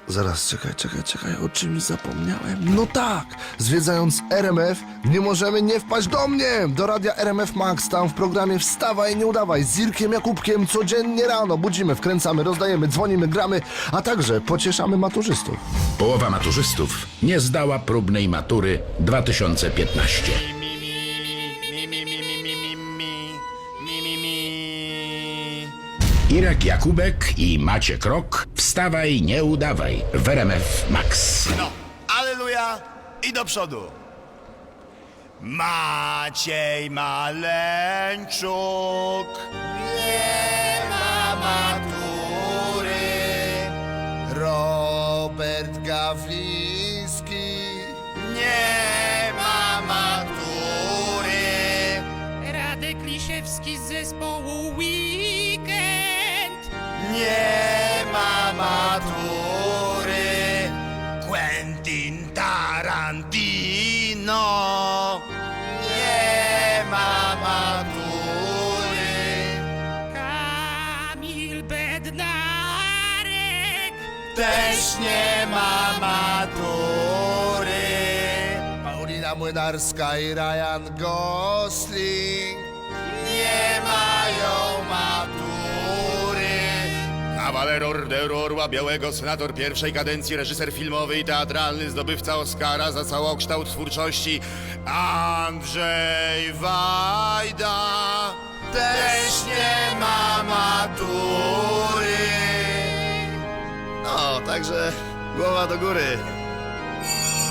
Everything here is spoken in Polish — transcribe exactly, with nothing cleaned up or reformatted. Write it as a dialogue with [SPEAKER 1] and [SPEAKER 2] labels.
[SPEAKER 1] Zaraz, czekaj, czekaj, czekaj, o czymś zapomniałem. No tak, zwiedzając R M F nie możemy nie wpaść do mnie, do radia R M F Max, tam w programie Wstawaj, nie udawaj, z Irkiem Jakubkiem codziennie rano budzimy, wkręcamy, rozdajemy, dzwonimy, gramy, a także pocieszamy maturzystów.
[SPEAKER 2] Połowa maturzystów nie zdała próbnej matury dwa tysiące piętnaście. Irek Jakubek i Maciek Rok, Wstawaj, nie udawaj w R M F Max.
[SPEAKER 3] No, aleluja i do przodu. Maciej Maleńczuk nie ma matury. Robert Gawliński nie ma matury.
[SPEAKER 4] Radek Lisiewski z zespołu Weekend
[SPEAKER 3] Nie ma matury. Quentin Tarantino nie ma matury.
[SPEAKER 4] Kamil Bednarek
[SPEAKER 3] Też nie ma matury. Paulina Młynarska i Ryan Gosling nie mają matury. Kawaler Orderu Orła Białego, senator pierwszej kadencji, reżyser filmowy i teatralny, zdobywca Oscara za całokształt twórczości Andrzej Wajda też nie ma matury. No, także głowa do góry.